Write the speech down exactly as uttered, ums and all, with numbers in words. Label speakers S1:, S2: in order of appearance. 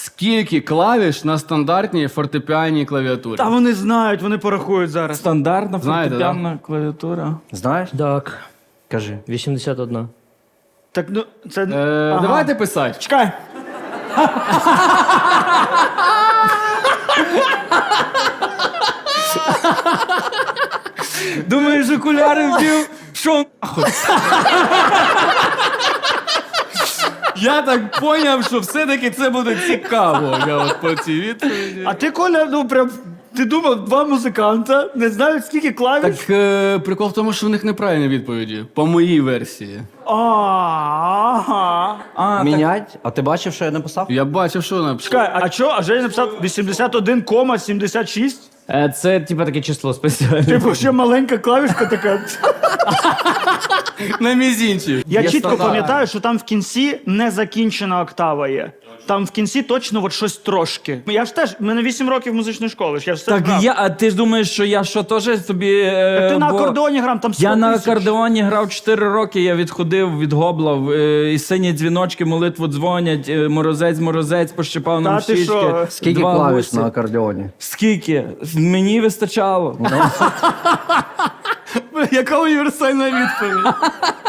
S1: Скільки клавіш на стандартній фортепіанній клавіатурі?
S2: Та вони знають, вони порахують зараз.
S3: Стандартна
S1: Знаєте,
S3: фортепіанна клавіатура.
S4: Знаєш?
S5: Так,
S4: Кажи.
S5: вісімдесят один.
S2: Так, ну, це...
S1: Е,
S2: Ага.
S1: Давайте писати.
S2: Чекай.
S3: Думаєш, окуляри вдів? Що?
S1: Я так поняв, що все-таки це буде цікаво. Я от по цій відповіді.
S2: А ти, Коля, ну прям... Ти думав, два музиканта не знають, скільки клавіш?
S1: Так е, прикол в тому, що в них неправильні відповіді. По моїй версії.
S2: А, ага.
S3: А, так,
S4: Мінять? А ти бачив, що я написав?
S1: Я бачив, що написав.
S2: Чекай, а що? А Женя написав вісімдесят один сімдесят шість?
S5: Е, Це, типа, таке число спеціальне.
S2: Типу, ще маленька клавішка така.
S1: На мізінчі.
S2: Я
S1: Є
S2: чітко
S1: стандарт.
S2: пам'ятаю, що там в кінці незакінчена октава є. Там в кінці точно от щось трошки. Я ж теж, в мене вісім років музичної школи, я ж все
S3: так
S2: знав.
S3: я, а ти ж думаєш, що я що теж тобі. е,
S2: Ти на
S3: бо-
S2: акордеоні грав, там сто
S3: Я на
S2: тисяч.
S3: акордеоні грав чотири роки, я відходив від гобла, е, і сині дзвіночки, молитву дзвонять, е, морозець, морозець, пощипав нам
S2: Та ти
S3: щічки.
S2: що?
S4: Скільки
S3: Два
S4: клавіш
S3: гусі.
S4: на акордеоні?
S3: Скільки? Мені вистачало.
S1: Яка універсальна відповідь?